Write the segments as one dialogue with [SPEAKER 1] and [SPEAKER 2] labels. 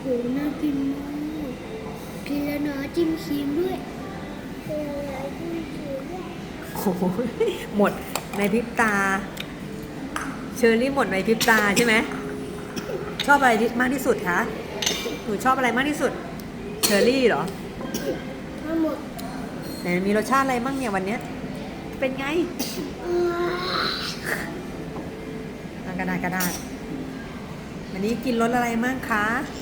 [SPEAKER 1] น่ากินมากกินแล้วนะจิ้มครีมด้วยกินแล้วจิ้มครีมด้วย
[SPEAKER 2] โอ้โหหมดในพริบตาเชอรี่หมดในพริบตาใช่ไหมชอบอะไรมากที่สุดคะหนูชอบอะไรมากที่สุดเชอรี่เหรอ
[SPEAKER 1] ทั้งหมด
[SPEAKER 2] ไหนมีรสชาติอะไรบ้างเนี่ยวันเนี้ยเป็นไงกระดาษวันนี้กินรสอะไรมั่งคะ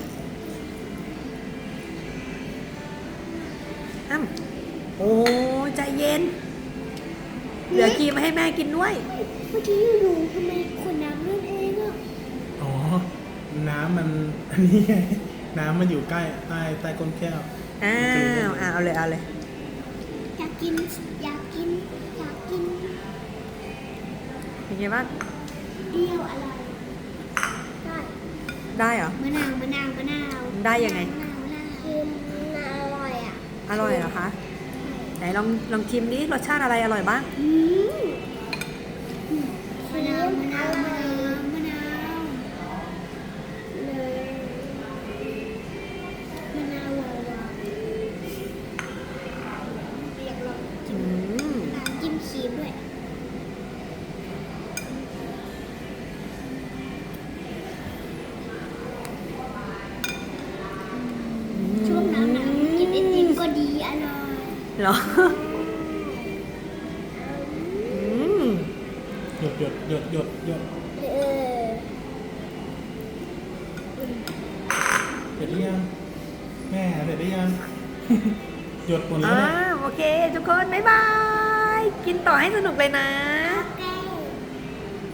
[SPEAKER 2] โอ้ใจเย็นเหลือครีมมาให้แม่กินด้วย
[SPEAKER 1] เมื่อกี้ดูทำไมขวดน้ำนั่นเองอ่ะ
[SPEAKER 3] อ๋อน้ำมันอันนี้ไงน้ำมันอยู่ใกล้ใต้ก้นแก้ว
[SPEAKER 2] เอาเลย
[SPEAKER 1] อยากกิน
[SPEAKER 2] เป็นไงบ้าง
[SPEAKER 1] เปรี้ยวอร่อย
[SPEAKER 2] ได้เหรอ
[SPEAKER 1] มะนาว
[SPEAKER 2] ได้ยังไง
[SPEAKER 1] คืออร่อยอ่ะ
[SPEAKER 2] อร่อยเหรอคะไหนลองชิมดิรสชาติอะไรอร่อยบ้าง
[SPEAKER 1] มะนาวเลยมะนาวอยากลองจิ้มครีมด้วยช่วงหนาวกินไอติมก็ดีอร่อย
[SPEAKER 2] เหรอ
[SPEAKER 3] หยดเสร็จหรือยังแม่เสร็จหรือยังหยดหมดแล้ว
[SPEAKER 2] โอเคทุกคนบ๊ายบายกินต่อให้สนุกเลยนะ